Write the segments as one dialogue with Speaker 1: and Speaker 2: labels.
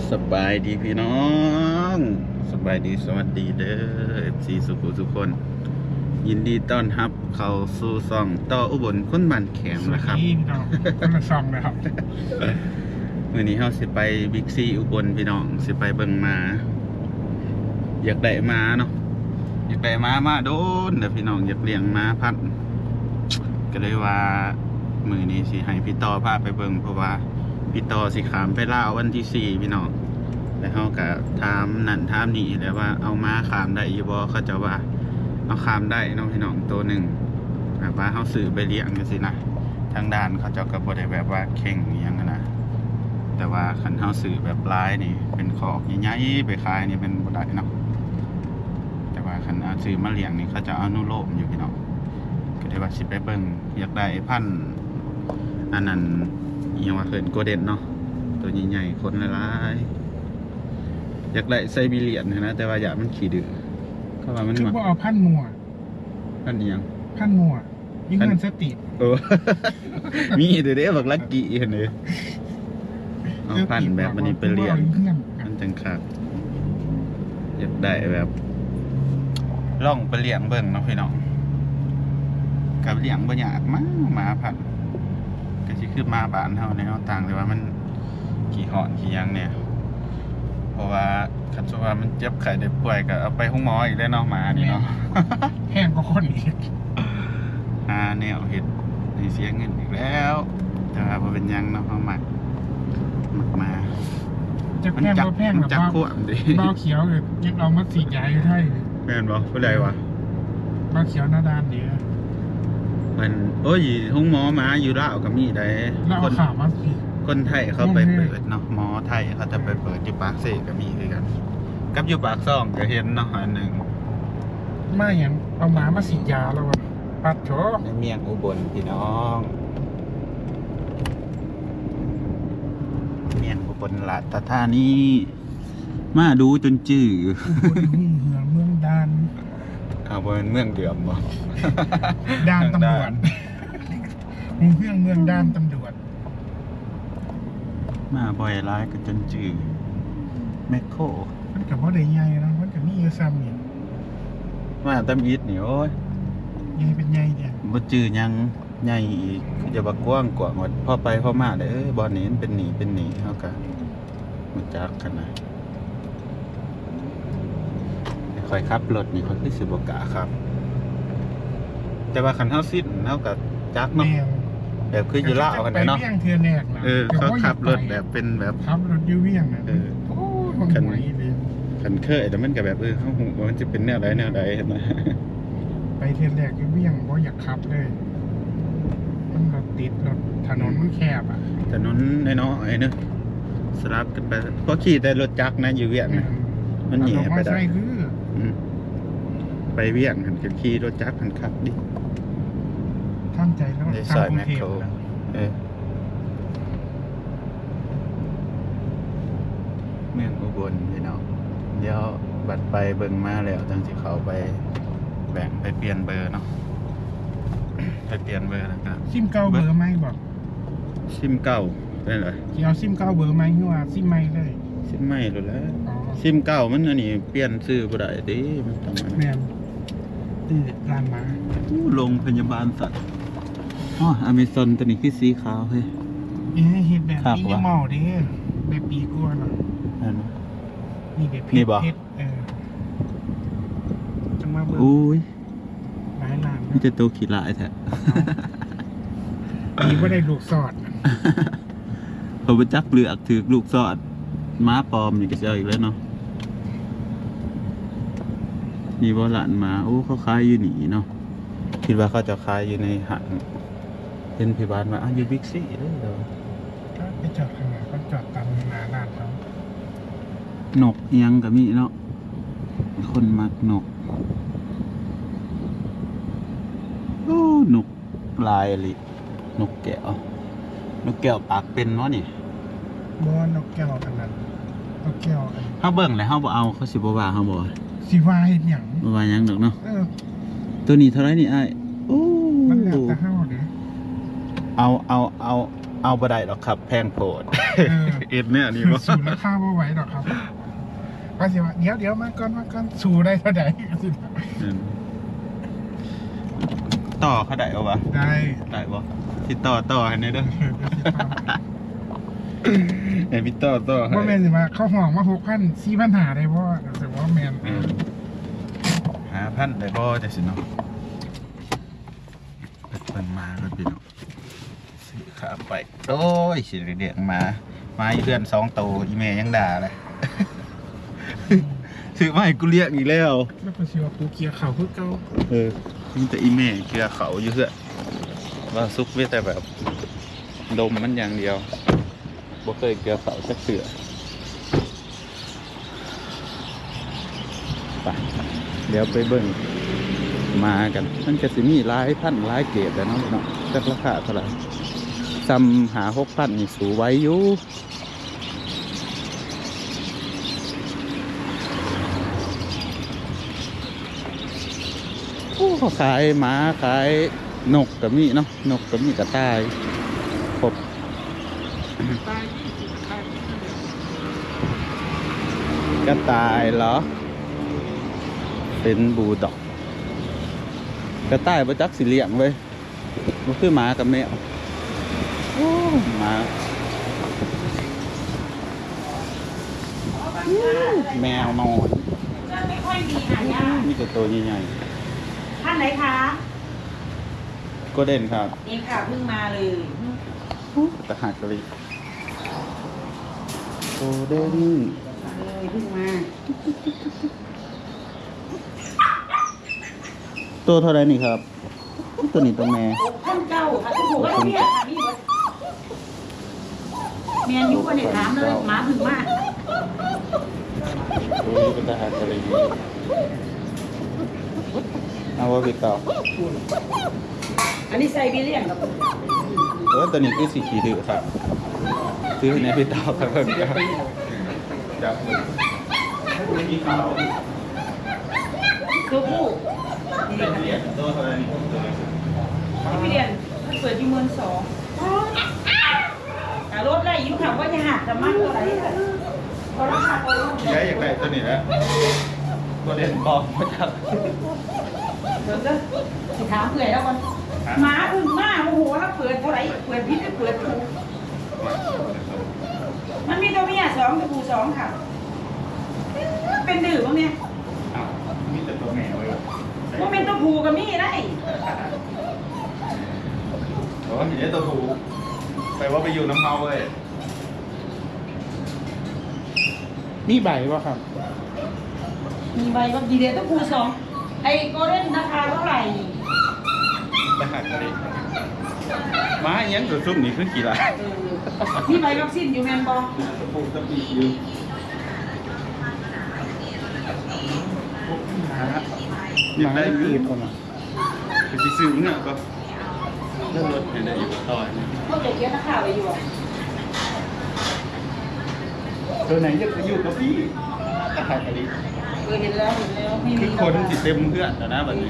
Speaker 1: สบายดีพี่น้องสบายดีสวัสดีเด้อ FC สุขุทุกคนยินดีต้อนรับเข้าสู่ซ่องต่ออุบลคนบ้านแขมนะครับ
Speaker 2: พี่น้องคนละซองเลยครับ
Speaker 1: มื้อนี้เฮาสิไปบิ๊กซีอุบลพี่น้องสิไปเบิ่งม้าอยากได้ม้าเนาะอยากได้ม้ามาโดนเด้อพี่น้องอยากเลี้ยงม้าพันธุ์ก็เลยว่ามื้อนี้สิให้พี่ต่อพาไปเบิ่งเพราะว่าพี่ต่อสิขามไปลาววันที่4พี่น้องแล้วเขาก็ถามนั่นถามนี่แล้วว่าเอาม้าขามได้อยู่บ่เขาจะว่าเอาขามได้น้องพี่น้องตัวหนึ่งแบบว่าเขาซื้อไปเลี้ยงกันสินะทางด้านเขาจะก็บ่ได้แบบว่าเข่งอหย่างนั้นนะแต่ว่าคันเขาซื้อแบบลายนี่เป็นขอกใหญ่ๆไปขายนี่เป็นบ่ได้เนาะแต่ว่าคันเอาซื้อมาเลี้ยงนี่เขาจะเอานุโลมอยู่พี่น้องก็ได้ว่าสิไปเบิ่งอยากได้พันธุ์อันนั้นอหยังว่าเขินโกลเด้นเนาะตัวใหญ่ๆคนหลายๆอยากได้ไซบีเรียนนะแต่ว่าอยากมันขี้ดื้อก็ว่ามัน
Speaker 2: คือ
Speaker 1: มา
Speaker 2: ว่าเอาพันมัว
Speaker 1: พันเอียง
Speaker 2: พันมัวยิ่งเงินสติ
Speaker 1: โอ้ มีเดี๋ยวบักลักกี้เห็นเลยเอาพันแบบมันนี่ไปเรียนมันจังคักอยากได้แบบล่องไปเลี้ยงเบิ่งเนาะพี่น้องกับเลี้ยงบ่ยากมากหมาพันก็สิคือมาบ้านเฮาในเนาะต่างแต่ว่ามันขี้หอนขี้ยังเนี่ยเพราะว่าคันสมมุติว่ามันเจ็บไข้ได้ป่วยก็เอาไปห้องหมออีกแล้วเนาะหมานี่เนาะ
Speaker 2: แห้งก็คนอีก
Speaker 1: แนวเห็ดในเสียเงินอีกแล้วแต่ว่าบ่เป็นหยังเนาะเฮามักมา
Speaker 2: จะแพงก็แพง
Speaker 1: มัน
Speaker 2: แบบ
Speaker 1: จัก
Speaker 2: ว่า
Speaker 1: ขวมดิ
Speaker 2: บ้าเขียวเลยยังเอามาสีดยาอยู่ไทย
Speaker 1: แม่นบ่ผู้ใดวะ
Speaker 2: บ้าเขียวหน้าด้านเดียว
Speaker 1: มันโอ้ยห้องหมอหมาอยู่ลาวก็มีได้
Speaker 2: แล้ว
Speaker 1: ค
Speaker 2: เอา
Speaker 1: น
Speaker 2: ข่าวมาสี
Speaker 1: คนไทยเขาไปเปิดเนาะหมอไทยเขาจะไปเปิดอยู่ปากเสก็มีคือกันกับอยู่ปากซ่องก็เห็นเนาะอันหนึง
Speaker 2: ไม่อย่างเอาหมามาสีดยาแล้ววะปัดโถ
Speaker 1: ในเมียงอุบลพี่น้องเมียงอุบลราชธานีมาดูจนจื้อ
Speaker 2: อุบลหุ่งเหือเมืองดาน
Speaker 1: เอาบ่เป็นเมืองเดือมบ่
Speaker 2: ดานตำรวจหุ่งเหือเมืองดานตำรวจ
Speaker 1: มาบ่อยร้ายก็จนจื้อแมคโคร
Speaker 2: มันกับว่าได้ใหญ่นะมันกับมีเยอะซ้ำเนี่ย
Speaker 1: มาตำอิดนี่โอ้ย
Speaker 2: ใหญ่เป็นใหญ่เนี่ย
Speaker 1: บ่จื้อหยังใหญ่อีกคือจะบักกว้างกว่าหมดพอไปพอมาเด้อบ่อนี้มันเป็นหนีเฮาก็รู้จักกันนะค่อยขับรถนี่ค่อยคือสิบ่กล้าครับ แต่ว่าคันเฮาสิ้นเฮาก็จัก
Speaker 2: แม
Speaker 1: เนาะ
Speaker 2: ว
Speaker 1: แบบคืออยู่ลาวกันเนาะ
Speaker 2: ไปเวียงเทือแรกนะ
Speaker 1: เขาขับรถแบบเป็นแบบ
Speaker 2: ขับรถอยู่เวียงนะ
Speaker 1: เออ
Speaker 2: โอ้ยมันไหวเลย
Speaker 1: คันเคยแต่มันก็แบบเฮาฮู้ว่ามันจะเป็นแนวใดนะ
Speaker 2: ไปเทือแรกอยู่เวียงเพราะอยากขับเลย มันรถติดรถถนนมันแคบอ่ะ
Speaker 1: ถนนน้อยๆเนอะสลับกันไปเพราะขี่แต่รถจักรนะอยู่เวียงนะ มันแหย่ไปได้
Speaker 2: ใช่คือ
Speaker 1: มไปเวียงหันก็ขี่รถจักรหันขับดิ
Speaker 2: ทำใจแล้ว
Speaker 1: ในซ
Speaker 2: ทำ
Speaker 1: อย
Speaker 2: กรุ
Speaker 1: แม
Speaker 2: ง
Speaker 1: ค
Speaker 2: เท
Speaker 1: โค
Speaker 2: พ
Speaker 1: ร
Speaker 2: นะ
Speaker 1: เมืองอุบลพี่น้องเดี๋ยวบัดไปเบิ่งมาแล้วจังสิเขาไปแบ่งไปเปลี่ยนเบอร์เนาะ ไปเปลี่ยนเบอร์แล้วก็
Speaker 2: ซิมเก้าเบอร์ไหมบอก
Speaker 1: ซิมเก่าได้เหรอ
Speaker 2: ที่เอาซิมเก้าเบอร์ไหมหรือว่าซิมไม่เลย
Speaker 1: ซิมใหม่หรือแล้ว
Speaker 2: อ๋อ
Speaker 1: ซิมเก่ามันอันนี้เปลี่ยนซื้อบ่ได้ติมันต้องอัน
Speaker 2: แม
Speaker 1: นั้น
Speaker 2: นตื่นร้านมา
Speaker 1: โรงพยาบาลสัตว์อ๋ออเมซอนตัวนี้คือสีขาวเฮ้ย
Speaker 2: เอ๊ะเห็ดแบบ
Speaker 1: ครับ
Speaker 2: นี้
Speaker 1: วะ
Speaker 2: เมาเด้แบบปีกลัวเนาะ
Speaker 1: อัน
Speaker 2: นี่แบบเพ
Speaker 1: นี่
Speaker 2: ชร
Speaker 1: บ่
Speaker 2: เพชรจังมาเบอร์
Speaker 1: อุ้ย
Speaker 2: หลายล้าน
Speaker 1: นี่จะตัวขี้ลายแท้
Speaker 2: มีว่าได้ลูกสอด
Speaker 1: เขาไปจักเลือกถือลูกสอดม้าปลอมนี่ก็จะเอาอีกแล้วเนาะมีบ่หลานมาโอ้เขาขายอยู่นี่เนาะคิดว่าเขาจะขายอยู่ในห้างเห็นพี่บ้านมาอยู่บิ๊กซีเด้อ
Speaker 2: ก็ไปจอดข้างหน้าก็จอดตามหน้าร้านเขา
Speaker 1: นกเอียงก็มีเนาะคนมักนกโอ้นกลายลินกแก้วนกแก้วปากเป็นเนาะนี่
Speaker 2: บอนกแก้วกันนั้นนกแก้วอัน
Speaker 1: เฮาเบิ่งแล้วเฮาบ่เอาเขาสิบ่ว่าเฮาบ่
Speaker 2: สิวาเห็นหยัง
Speaker 1: บ่ว่าหยังดอกเนาะ
Speaker 2: เออ
Speaker 1: ตัวนี้เท่าไหร่นี่อ้ายโอ้
Speaker 2: มันแล้วแต่เฮาเด้
Speaker 1: เอาเอาบ่ได้หรอกครับแพงโพด
Speaker 2: เออ
Speaker 1: เอ็ดเนี่ยนี่บ่
Speaker 2: สูตรราคาบ่ไหวหรอกครับก็สิว่าเดี๋ยวมาก่อนสูได้เท่าใดก็สิ
Speaker 1: ต่อเขาได้เอาวะ
Speaker 2: ได้
Speaker 1: ได้บ่ที่ต่อให้หน่อยเด้อ ไอ้พี่ต่อให้
Speaker 2: ว่าแมนสิมาเข้าห้องมา6,000 4,000หาได้บ่รู้สึกว่าแมน
Speaker 1: หาพันได้บ่จังซี่เนาะเพิ่นมาแล้วพี่น้องซื้อขาไปโอ้ยสิเรียกมาอีเพื่อน2ตัวอีแม่ยังด่าเลย ซื้อมาให้กูเรียกอีกแล้ว
Speaker 2: แล้วก็สิว่ากูเกียร์เข่าคือเก่า
Speaker 1: มีแต่อีเมฆเกลือเขาอยู่เพื่อว่าซุกเวแต่แบบดมมันอย่างเดียวบ่เคยเกลือเขาสักเสือไปเดี๋ยวไปเบิ่งมากันมันจะสิมีหลายพันหลายเกรดแล้วเนาะเนาะจักราคาเท่าไหร่ซ้ำหา6,000นี่สูไว้อยู่โอ้เขาขายหมาขายนกกับมีเนาะนกกับมีกระต่ายครบ
Speaker 2: ตาย20ตาย
Speaker 1: กระต่ายเหรอเป็นบูลด็อกกระต่ายประจักสิเลี้ยงเว้ยมันคือหมากับแมวโอ้หมาแมวนอน
Speaker 3: ไม่ค่อยมีหายาก
Speaker 1: มีแต่ตัวใหญ่
Speaker 3: ท่านไหนคะ
Speaker 1: ๆก็เด่นครับ
Speaker 3: นี่ค่ะเพิ่งมาเลย
Speaker 1: ตะหักกะลิโกเด้น
Speaker 3: เลยเพิ่งมา
Speaker 1: ตัวเท่าไรนี่ครับ ตัวนี้ตัวแม่
Speaker 3: ท่านเจ้าค่ะทุกคนก็เรียกค่ะพี่เมียนอยู่ก็เนี่ยถามเลยหมาเพิ่งมา
Speaker 1: ตัวนี้เป็นตะหักกะลิเอาว่าไปต่อ
Speaker 3: อันนี้ไซบีเรียนกับ
Speaker 1: ตัวนี้คือสีขีดื้อครับซื้อในพี่ต่อครับเพิ่มครับจับมือมีขาว
Speaker 3: ตัวผู้
Speaker 1: เป็นเหรียญตัวเท่าไรนี่ตัวนี้
Speaker 3: ที่พี่เรียนมันเปิดที่12,000แต่รถไล่ยุ่งค่ะว่าจะหักจะมากเท่าไหร่เพราะราคาตัว
Speaker 1: ใช้อยากได้ตัวนี้แล้วตัวเด่นบอกมาจาก
Speaker 3: เดี๋ยวจะสิถามเผื่อแล้วกันหมาเพิ่งมาโอ้โหแล้วเปิดเท่าไหร่เปิดพิษเปิดถูกมันมีตัวเมีย2ตัวผู้2ค่ะเป็นดื้อบ้างเนี่ย
Speaker 1: อ้าวมีแต่ตัวแม่ไว้ก่อน
Speaker 3: ว่าเป็นตัวผู้กับมีได้
Speaker 1: โอ้ยเดี๋ยวตัวผูไปว่าไปอยู่น้ำเมาเลย
Speaker 2: มีใบบ่ครับ
Speaker 3: มีใบก็ดีเดตัวผู้2ไอ้โกลเด้นราคาเท่าไหร่
Speaker 1: ไปหักกันเลยม้าอยังตัวซุ่มนี่คือกี่ลาย
Speaker 3: มีใบวัคซีนอยู่แมนบอ
Speaker 1: ตัวผูจะปีอยู่อยากได้
Speaker 2: ปี
Speaker 1: ปี
Speaker 2: บก่อนน่ะ
Speaker 1: ไปซื้อเนี่ยก็เลื่อนรถเห็นได้อยู่ต่อย
Speaker 3: พวกเด็กเยอะนักข่าวไปอยู่
Speaker 1: ตัวไหนอยากจะอยู่กับพี่ตะหักกันดิ
Speaker 3: เห็นแล้วไม่
Speaker 1: คื
Speaker 3: มี
Speaker 1: อคนสิเต็มเพื่อนแต่นะแบบนี้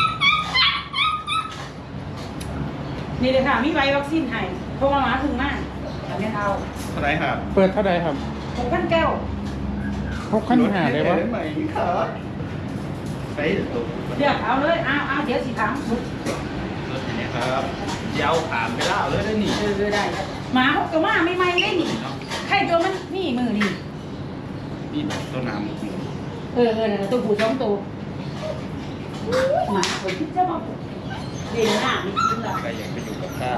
Speaker 3: นี่เลยค่ะมีใบวัคซีนให้เพราะว่าหมาถึงมากแต่ไม่เอา
Speaker 1: เท่าไหรครับ
Speaker 2: เปิดเท่าใดครับ
Speaker 3: 6,900
Speaker 2: 6,000หาได้บ่
Speaker 1: รถใหม่ครับไปตัว
Speaker 3: เลือกเอาเลยเอาเดี๋ยวสิถาม
Speaker 1: รถนี้ครับยาวผ่านไปแล้วเลยได้หนิ
Speaker 3: ได้หมาเขาก็มาไม่ได้นี่ใครตัวมันนี่มือนี่
Speaker 1: นี่แบบต้นน้ำ
Speaker 3: ตัวผู้2ตัวหมาคนที่จะมาเรียนหน้าไม่กินหรอก
Speaker 1: ใครอยากไปอยู่กับข้า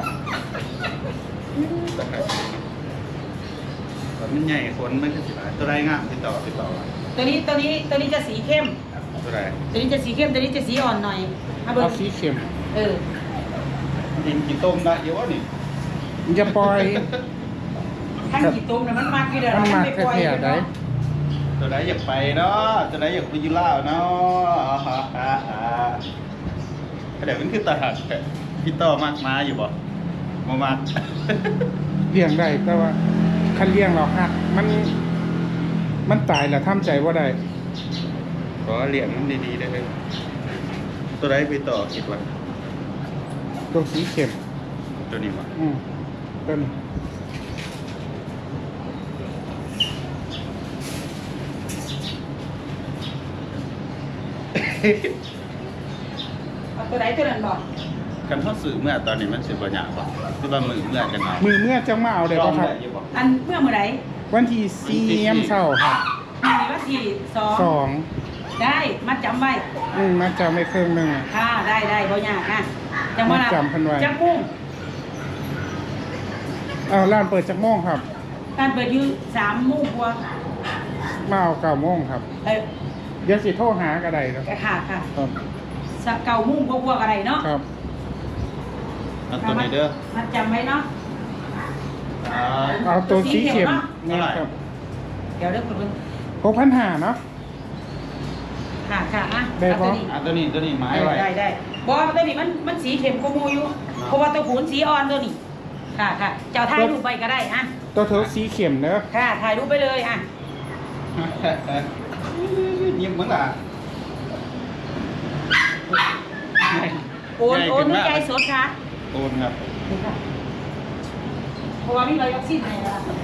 Speaker 1: ตอนนี้ใหญ่คนมันก็สิบตัวไรงามติดต่อ
Speaker 3: ตัวนี้จะสีเข้ม
Speaker 1: ตัวไร
Speaker 3: ตัวนี้จะสีเข้มตัวนี้จะสีอ่อนหน่อยเอาเบอ
Speaker 2: เอา
Speaker 3: ร์
Speaker 2: สีเข้ม
Speaker 1: กินกี่ต้มได้เยอะนี่
Speaker 2: อย่าปล่อย
Speaker 3: ทั้งกี่ตุ้มเนี่ยมันมากกี่เดือน
Speaker 2: มันมาก
Speaker 3: ไปปล่อย
Speaker 2: แท้ๆได้
Speaker 1: ตัวไรอยากไปเนาะตัวไรอยากไปยูล่าเนาะเดี๋ยวมันคือตาหักพี่ต่อมากมาอยู่บ่มามาก
Speaker 2: เลี้ยงได้แต่ว่าคันเลี้ยงเราหักมันตายแล้วทำใจบ่ได้
Speaker 1: ขอเลี้ยงมันดีๆได้เลยตัวไรไปต่อคิดว่า
Speaker 2: ตัวสีเข้ม
Speaker 1: ตัวนี้วะ
Speaker 2: อืมต้น
Speaker 3: เอาตัวไหนตัวนั้นบอก
Speaker 1: กันเขาสื่อเมื่อตอนนี้มันสิบ่ยากบ่คือว่ามือเมื่อกันเอา
Speaker 2: มือเมื่อจะมาเอาได้ป่ะครับ
Speaker 1: อยู่บ่
Speaker 3: อันเมื่อเมื่อไหร่
Speaker 2: วันที่4 ยามเช้าครับ
Speaker 3: มีวันที่สอง
Speaker 2: 2
Speaker 3: ได้มาจำไว้
Speaker 2: มาจำไม่เครื่องหนึง
Speaker 3: ค่ะได้บ่ยากนะจังว่า
Speaker 2: มาจำเพิ่นไว้
Speaker 3: จังกุ้ง
Speaker 2: ร้านเปิดจักโมงครับ
Speaker 3: การเปิดอยู่3 โมงกว่า
Speaker 2: มาเอา9 โมงครับ เดี๋ยวสิโทรหาก็ได้ครับ
Speaker 3: ค่ะ
Speaker 2: ครับ
Speaker 3: สัก9 โมงกว่าๆอะไรเนาะ
Speaker 2: ครับ
Speaker 1: เอาตัวนี้เด้อ
Speaker 3: มาจำไว้เนาะ
Speaker 2: เอาตัวสีเข็ม
Speaker 1: เท่าไหร่
Speaker 2: ครับ
Speaker 3: เดี๋ยวเด้อคุณเพิ่น
Speaker 2: 6,500เนาะ
Speaker 3: ค่ะอ่ะ
Speaker 2: ได้ปะ
Speaker 3: เอาตัวนี้
Speaker 1: ตัวนี้ไม้ไว้
Speaker 3: ได้บ่ตัวนี้มันสีเข้มกว่าหมู่อยู่เพราะว่าตัวหูนสีอ่อนตัวนี้ค่ะเจ้าถ่ายรูปไปก็ได้อ่ะ
Speaker 2: ตัวเธอสีเข็มเนอะ
Speaker 3: ค่ะถ่ายรูปไปเลยอ่ะ
Speaker 1: ยิ้มเหมือนล่ะ
Speaker 3: โอนด้วยใจสดค่ะ
Speaker 1: โอนครับ
Speaker 3: นี่ค่ะเพราะว่ามีใบวัคซีนให้แล้วล่ะ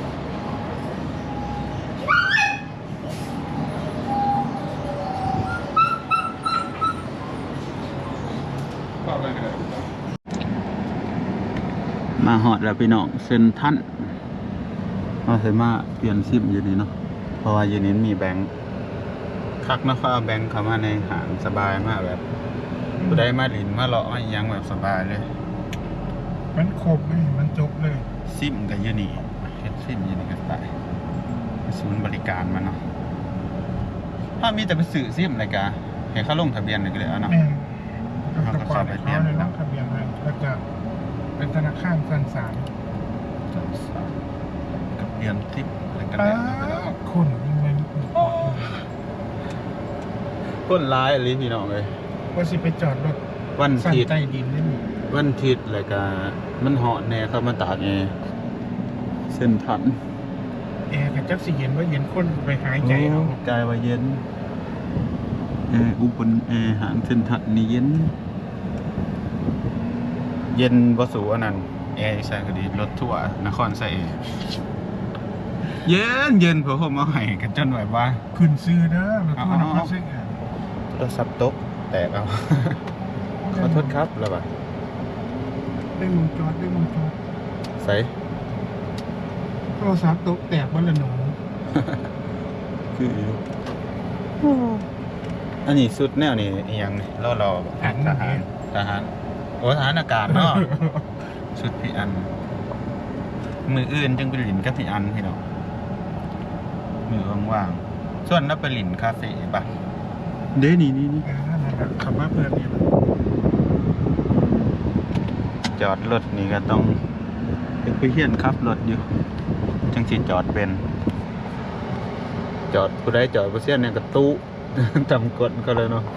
Speaker 1: มาหอดแล้วพี่น้องเซ็นท่านเอาใส่มาเปลี่ยนซิมอยู่นี่เนาะเพราะว่าอยู่นี้มีแบงค์คักนะเขาเอาแบงค์เข้ามาในหางสบายมากแบบผู้ใดมาหลินมาเลาะมาอิหยังแบบสบายเลย
Speaker 2: มันครบเลยมันจบเลย
Speaker 1: ซิมกับยูนี่เฮ็ดซิมยูนี่กันไปศูนย์บริการมันเนาะถ้ามีแต่ไปสื่อซิมอะไรกะเห็นเขาลงทะเบียนเลยก็เลยเอาเนาะ
Speaker 2: แม่น
Speaker 1: มันก็เข้าไปเปลี่ยน
Speaker 2: เลยลงทะเบียนให้แล้วก็เป็นธนาคารสันสาร
Speaker 1: กับเรียนซิมอะไรกัน
Speaker 2: ป้า
Speaker 1: แล้ว
Speaker 2: คนยังไง
Speaker 1: ก้นร้ายอะไรพี่น้องเลย
Speaker 2: ว่าสิไปจอดรถ
Speaker 1: วัน
Speaker 2: สั่น
Speaker 1: ทิศ
Speaker 2: ใต้ดินได้มั้ย
Speaker 1: วันทิศอะไรกะมันเหาะแน่เข้ามาตากไงเส้นทัน
Speaker 2: แอร์กับจักสิเย็นว่าเย็นคนไปหายใจเอา
Speaker 1: กายว่าเย็นอุบลหางเส้นทันนี่เย็น เย็นบ่สูอันนั้นแอร์ใส่ก็ดีรถทั่วร์นครใส่แอร์เย็นเผื่อผมเอาให้กันจนแบบว่า
Speaker 2: ขึ้นซื้อเด้อรถทั่วร์นครเชียง
Speaker 1: โทรศัพท์ตกแตกเอา ขอโทษครับแล้วบ่ะ
Speaker 2: ได้มุงจอดได้มุงจอด
Speaker 1: ใส่
Speaker 2: โทรศัพท์ตกแตกวันละหนู
Speaker 1: คืออยู่อันนี้สุดแนวนี่อีหยังนี่รอทหารโอ้ทหารอากาศเนาะ ชุดพี่อัน มืออื่นจึงไปหลินกับพี่อันพี่น้องมือว่างๆส่วนนับไปหลินคาเฟ่ปะเด้นี่
Speaker 2: ขับมาเพื่อนนี่
Speaker 1: จอดรถนี่ก็ต้องไปเฮียนขับรถอยู่จังสิจอดเป็น จอดผู้ใดจอดผู้เสียนเนี่ยก็ตู้ จำกดก็เลยเนาะ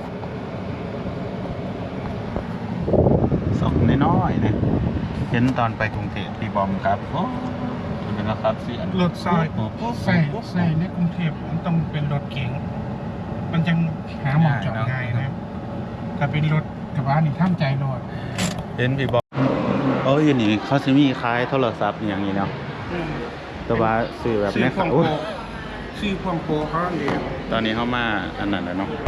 Speaker 1: สองน้อยๆเนี่ยเห็นตอนไปกรุงเทพพี่บอมครับโอ้เป็นนะครับเสียน
Speaker 2: รถซอยใส่ในกรุงเทพมันต้องเป็นรถเก๋งมันจังหาหมอจอดง่ายนะถ้าเป็นรถกระบะนี่ท่ามใจรถ
Speaker 1: เห็นพี่บอมโอ้ยนี่เขาจะมีขายโทรศัพท์อย่างนี้เนาะแต่ว่าซื้อแบบ
Speaker 2: ซื้อ
Speaker 1: นี้
Speaker 2: ความ
Speaker 1: เขา
Speaker 2: โปรซื้อความโปรเขาเอง
Speaker 1: ตอนนี้เขามาอันนั้นแล้วเนาะ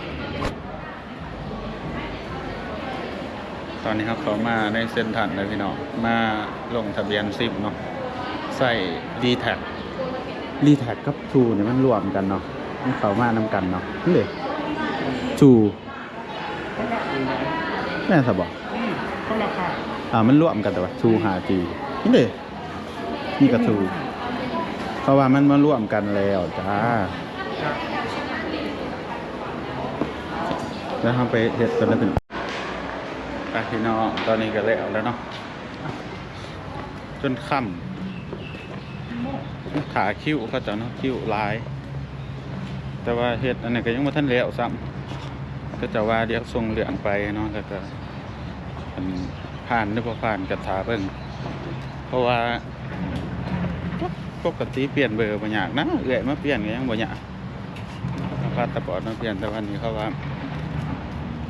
Speaker 1: ตอนนี้เขามาในเส้นทันเลยพี่น้องมาลงทะเบียนซิมเนาะใส่ D-Tag D-Tag กับ True เนี่ยมันรวมกันเนาะมันเขามานำกันเนาะนี่เลย True แม่นสับบอก
Speaker 2: เขาราคา
Speaker 1: มันรวมกันแต่ว่า True 5G นี่เลยนี่กับ True เพราะว่ามันมาร่วมกันแล้วจ้าแล้วทำไปเห็ดกันแล้วพี่น้องไปพี่น้องตอนนี้ก็แล้วเนาะจนค่ำขาคิ้วเขาจะเนาะคิ้วลาย แต่ว่าเห็ดอันนี้ก็ยังไม่ทันแล้วซ้ำก็จะว่าเดี๋ยวส่งเหลืองไปเนาะแล้วก็ผ่านหรือเปล่าผ่านกระถาเบิ่งเพราะว่าปกติเปลี่ยนเบอร์บ่ยากนะเอื้อยมาเปลี่ยนก็ยังบ่ยากพาสปอร์ตมาเปลี่ยนแต่วันนี้เขาว่า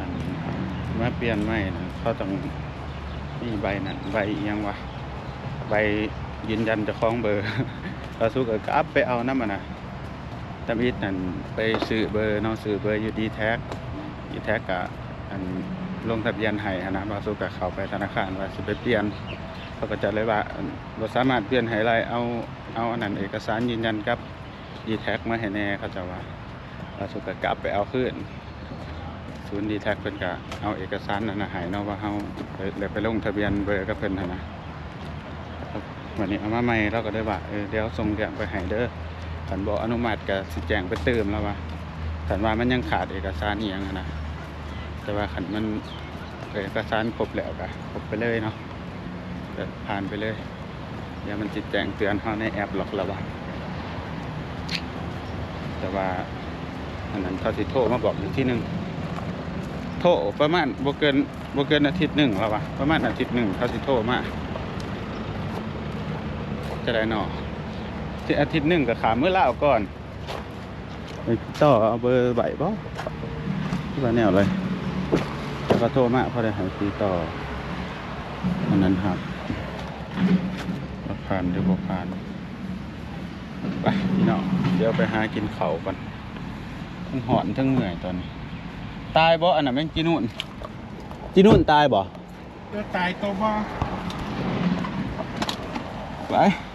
Speaker 1: มาเปลี่ยนใหม่นะเขาต้องมีใบนั้นใบอีหยังวะใบยืนยันเจ้าของเบอร์ เราสู้กับอัพไปเอาน้ำมันนะตำอิดนั่นไปซื้อเบอร์เนาะซื้อเบอร์อยู่ดีแท็กกะอันลงทะเบียนให้นะเราสู้กับเขาไปธนาคารว่าสิไปเปลี่ยนเขาก็จะเลยว่าเราสามารถเปลี่ยนให้ไรเอาอันนั้นเอกสารยืนยันกับดีแท็กมาให้แน่เขาจะว่าเราสู้กับอัพไปเอาขึ้นศูนย์ดีแท็กเพิ่นกะเอาเอกสารนั่นนะให้เนาะว่าเฮาเลยไปลงทะเบียนเบอร์กับเพิ่นนะวันนี้เอามาใหม่เราก็ได้ว่าเดี๋ยวส่งเรื่องไปให้เด้อขันบอกอนุมัติกับสิแจงไปเติมแล้วว่าขันว่ามันยังขาดเอกสารอีกอย่างนะแต่ว่าขันมันเอกสารครบแล้วก็ครบไปเลยเนาะผ่านไปเลยเดี๋ยวมันจิแจงเตือนเขาในแอปหรอกแล้วว่าแต่ว่าอันนั้นเขาสิโทรมาบอกอีกที่หนึ่งโทรประมาณบ่เกินอาทิตย์หนึ่งแล้วว่าประมาณอาทิตย์หนึ่งเขาสิโทรมาจะได้หนอที่อาทิตย์หนึ่งกับขาเมื่อเล่าก่อนไปต่อเอาเบอร์ใบบ่ที่ว่าแนวเลยแล้วก็โทรมาพอได้หายตีต่ออันนั้นครับผ่านหรือบ่ผ่านไปพี่น้องเดี๋ยวไปหากินข้าวกันทั้งหอนทั้งเหนื่อยตอนนี้ตายบ่อันนั้นแม่งจีนุ่นตายบ่
Speaker 2: เดี๋ยวตายตัวบ่
Speaker 1: ไป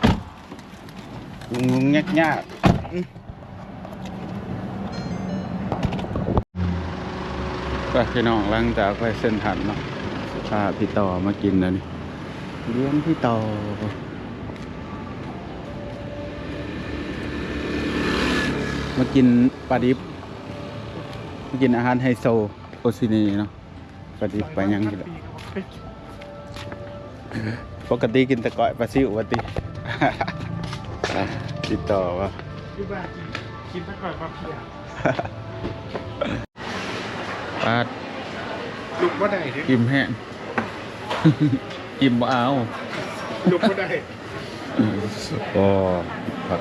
Speaker 1: งุงยากก็พี่น้องหลังจากไปเส้นทันเนาะพาพี่ต่อมากินนะนี่เลี้ยงพี่ต่อมากินปลาดิบมากินอาหารไฮโซโอซินีเนาะปลาดิบไปยังกินปกติกินแต่ก้อยปลาซิวปกติ ติดต่อวะ
Speaker 2: อยู่บ้านกินไปก่อนมาเพีย
Speaker 1: ปาด
Speaker 2: ลุกบ่ได้ดิ
Speaker 1: กิมแห้ง กิมบ่เอา
Speaker 2: ลุกบ่ได้
Speaker 1: โอ้ครับ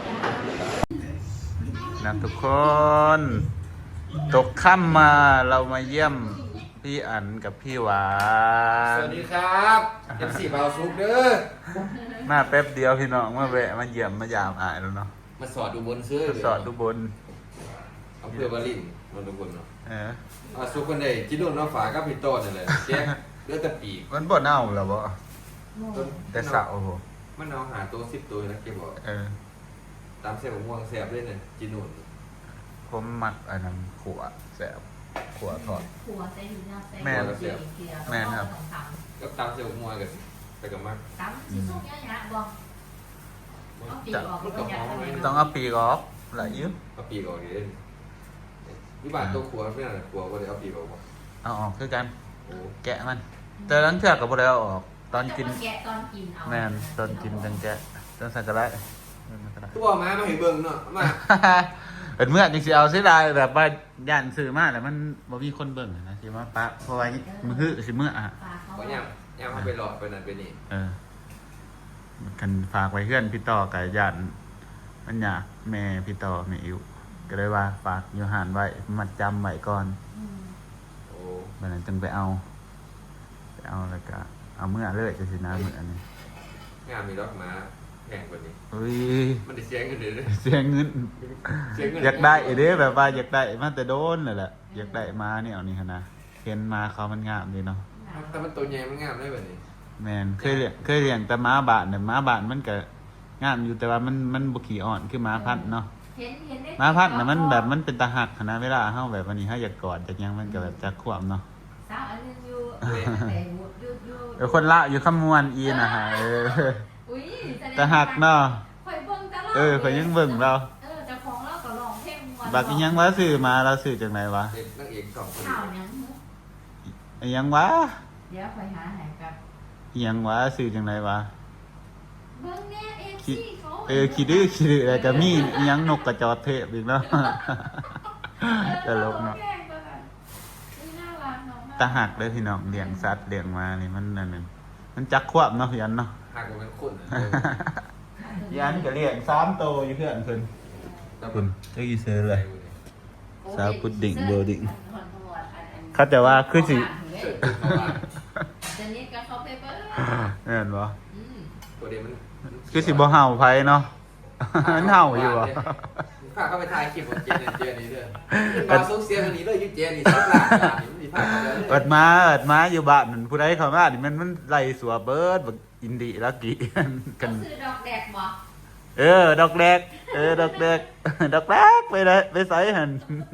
Speaker 1: นะทุกคน ตกค่ำมาเรามาเยี่ยมพี่อันกับพี่หวาน
Speaker 4: สวัสดีครับเป็นสีเบาซุกเด้อ
Speaker 1: มาแป๊บเดียวพี่น้องมาแวะมาเยี่ยมมายามอายแล้วเนาะ
Speaker 4: มาสอดดูบนซื้อ
Speaker 1: ทดสอบดูบน
Speaker 4: เอาเพื่อบาลินมาดูบนเนาะ
Speaker 1: เออ
Speaker 4: ซุกคนใดจิโน่นน้องฝากับพี่โต้นั่นแหละแจ๊กเลือดตะปีก
Speaker 1: มันบ่เน่าแล้วบ่แต่สาวโอ้โห
Speaker 4: มันเอาหาตัว10ตัวนะแกบอก
Speaker 1: เออ
Speaker 4: ตามเส้นม่วงแสบเลยเนี่ยจิโน่น
Speaker 1: ผมมักอันนั้นขัวแสบขัวทอด
Speaker 5: หัวใส่หินใส่
Speaker 1: แม่น แม่นครับ
Speaker 4: ก็ตามเส้นม่วงกันไปกับมัก
Speaker 5: ตั้มสีส้มยะบอกเอาปีกออกก็จะทำไม
Speaker 1: ต้องเอาปีกออกหลายยิ้ม
Speaker 4: เอาปีกออกเองวิบากตัวขัวไม่น่าขัวก็เลยเอาปีกออก
Speaker 1: เอาออกคือกัน
Speaker 4: โอ้
Speaker 1: แกะมัน แต่หลังจากกับบ่ได้เอาออก ตอนกิน
Speaker 5: แกะตอนกินเอา
Speaker 1: แม่นตอนกินจังแกะตอนใส่กระไร
Speaker 4: ตัวมาเห็นเบิ่งเนาะมา
Speaker 1: เป็นเมื่อจริงๆเอาเสียดายแบบว่าย่านซื้อมาแต่มันบ่มีคนเบิ่งนะสิมาปะเพราะว่ามือสิเมื่ออ่ะ
Speaker 5: ปลาเขา
Speaker 4: ก็ย่ำไปหลอดไปนั่นไปนี่
Speaker 1: เออกันฝากไว้เพื่อนพี่ต่อกับย่านมันอยากแม่พี่ต่อแม่อิ๋วก็เลยว่าฝากอยู่หานไว้มัดจำไว้ก่อน
Speaker 4: โอ้
Speaker 1: วันนั้นจึงไปเอาแล้วก็เอาเมื่อเลยจะสินะมื้ออันนี้
Speaker 4: งามมีรถมาแพงกว่านี้
Speaker 1: อุ้ย
Speaker 4: มันได้เสียงกันเลย
Speaker 1: เสียเงิน
Speaker 4: เสียงเงิน
Speaker 1: อยากได้เด้แบบว่าอยากได้มาแต่โดนเลยแหละอยากได้มาเนี่ยเอานี่นะเห็นมาเขามันงามดีเนาะ
Speaker 4: แต่มันตัวใหญ่มันงามได้แบบนี้
Speaker 1: แมนเคยเลี้ยงแต่ม้าบานเนี่ยม้าบานมันก็งามอยู่แต่ว่ามันบุขี้อ่อนคือม้าพัดเนาะ
Speaker 5: เห็นได้
Speaker 1: ม้าพัดน่ะมันแบบมันเป็นตาหักนะเวลาเฮาแบบวันนี้เฮาอยากกอดจากยังมันก็แบบจักควมเนาะ
Speaker 5: สาวอันนึงอยู่แต่อยู่
Speaker 1: เดี๋ยวคนละอยู่ขมวนอีนะฮะ
Speaker 5: อุ้ย
Speaker 1: ตาหักเนาะ
Speaker 5: ข่อยเบิ่งตลอด
Speaker 1: ข่อยยังเบิ่งเรา
Speaker 5: เจ้าของเราก็ร้องเพลงม่วน
Speaker 1: บักอีหยังวะซื้อมาเราซื้อจากไหนวะ
Speaker 4: เด็กนางเอกสองคน
Speaker 5: ข่าวยัง
Speaker 1: อีหยังวะ
Speaker 5: เดี๋ยวข่อยหาให้กับ
Speaker 1: อีหยังวะซื้อจากไหนวะ
Speaker 5: เบิ่งแน่ FC เขา
Speaker 1: ขี้ดื้อแล้วก็มีอีหยังนกกระจอกเทพอีกเนาะ ตลกเนาะ
Speaker 5: น่ารักเนาะ
Speaker 1: ตาหักเลยพี่น้องเลี้ยงสัตว์เลี้ยงมานี่มันนั่นนึงมันจักควบเนาะพี่อันเนาะ
Speaker 4: หักกว่ามันคน
Speaker 1: พี่อันก็เลี้ยง3 โตวอยู่เพื่อนเพิ่นคุณได้ยินเสียงเลย สาวพุดดิ้งเบอร์ดิ้ง เขาจะว่าคือสิ
Speaker 5: จะนี้ก็เขาไปเบิ่ง
Speaker 1: แม่นบ่
Speaker 4: ตัวเดียวมัน
Speaker 1: คือสิบ่เห่าไผเนาะ มันเห่าอยู่อ่ะ
Speaker 4: ข้าเข้าไปถ่ายคลิปของเจนนี่เด้อมาส่งเสียงอันนี้เลยยุเจนี่สักหลักนี่มันสิพาเขาเลย
Speaker 1: เอิดมาอยู่บ้านนั่นผู้ใดเข้ามานี่มันไล่สัวเบิดบักอินดีลักกี้ กัน
Speaker 5: ซื้อดอกแดกบ่
Speaker 1: ดอกแดกดอกแดก ดอกแดกไปเลยไปใส่หั่น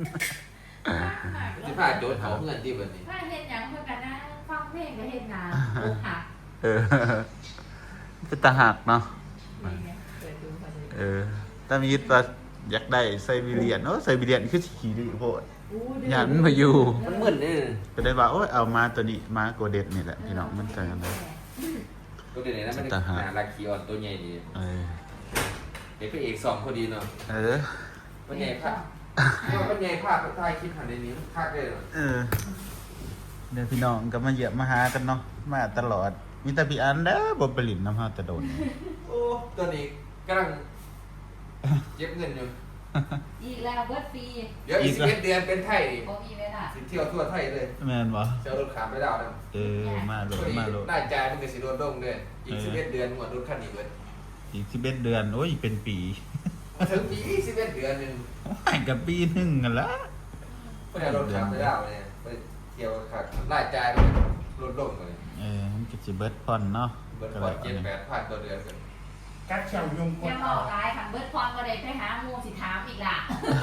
Speaker 4: สิพาโจทย์เขาเงินที่บัดนี้
Speaker 5: ถ้าเฮ็ดหยังเพื่อกันนะฟังเพลงก็เฮ็ดนาอกหัก
Speaker 1: เป็นตาหักเนาะ
Speaker 5: นี่ไงเปิดดูมาเลย
Speaker 1: ถ้ามีตาอยากได้ไซบีเรียนไซบีเรียนคือสีดื้อโพด
Speaker 5: อู้
Speaker 1: หยันมาอยู่
Speaker 4: มันมึนนี่
Speaker 1: ก็ได้ว่าโอ้ยเอามาตัวนี้มาโกเด็ดนี่แหละพี่น้องมันใจกันเลย
Speaker 4: ตัวเด่นนะมันหาลักคีออนตัวใหญ่ดี
Speaker 1: เออ
Speaker 4: เป็นพระเอก2พอดีเนาะ
Speaker 1: Ừ.
Speaker 4: มันใหญ่ภาพมันใหญ่ภาพถ่ายคลิปหันในนี้ภาพได้เนาะ
Speaker 1: เดี๋ยวพี่น้องก็มาเยี่ยมมาหากันเนาะมาตลอดมีแต่พี่อันเด้อบ่ไปลินน้ำเฮาแต่โดน
Speaker 4: โอ้ตัวนี้กำลังเก็บเงินอยู่
Speaker 5: อีกแล้วเบิดปี
Speaker 4: เดี๋ยวอีก11 เดือนเป็นไทย
Speaker 5: บ่มีเวลา
Speaker 4: สิเที่ยวทั่วไทยเลย
Speaker 1: แม่นบ่
Speaker 4: เจ้ารถขามไม่ได้นะ
Speaker 1: มาโล
Speaker 4: พ
Speaker 1: ด
Speaker 4: อดี
Speaker 1: มาโลด
Speaker 4: หน้าจ่ายมันก็สิโดนดงด้วยอีก11 เดือนหมดรถคันนี้เบิด
Speaker 1: อีก11เดือนโอ้ยเป็นปี
Speaker 4: ถึงปี11 เดือนนึง
Speaker 1: ให้กับปีหนึงกันละ
Speaker 4: พอดีรถขามไม่ได้เนี่ยไปเที่ยวขาดหน้าจ่ายมันลดลงเลย
Speaker 1: มันก็สิเบิดผ่อนเนาะ
Speaker 4: เบิดพอ7-8พันต่อเดือนกัน
Speaker 2: กัดเขียวยุงก
Speaker 5: อย่า
Speaker 2: ด
Speaker 5: บ
Speaker 2: เอา
Speaker 5: อกหลายคันเบิดพรบ่ได้ไปหาหมู่สิถามอีกล่ะ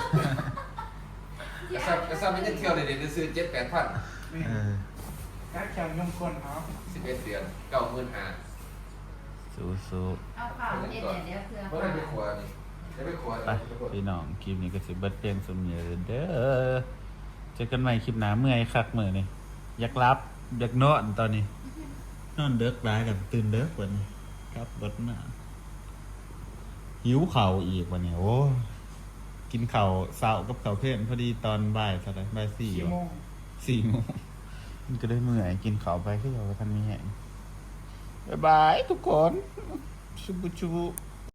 Speaker 4: ก็ซ้ำไม่ได้เที่ยวเลยเดี๋ยวซื้อ7-8พัน
Speaker 2: นี่
Speaker 1: เออ
Speaker 2: กัดเขียวยุงกดเอา
Speaker 4: 11 เดือน95,000
Speaker 1: สู้
Speaker 5: เอาข่าวเฮ็ดเนี่ยเดี๋ยวเพื่อ
Speaker 4: เพราะได้ไปขวานี่ได้ไปขวา
Speaker 1: ๆไปพี่น้องคลิปนี้ก็สิเบิดเพียงสมเนียเด้อเจอกันใหม่คลิปหน้าเมื่อยคักมื้อนี่อยากรับอยากนอนตอนนี้นอนเด็กหลายกันตื่นเด็กกว่านี้ครับเบิดมาหิวข้าวอีกวันนี้โอ้กินข้าวเช้ากับข้าวเพลนพอดีตอนบ่ายเท่าไหร่บ่าย4
Speaker 2: 4 โมง
Speaker 1: 4 โมงมันก็ได้เมื่อยกินข้าวไปก็อย่าไปทันมีแห้งบ๊ายบายทุกคนชุบุ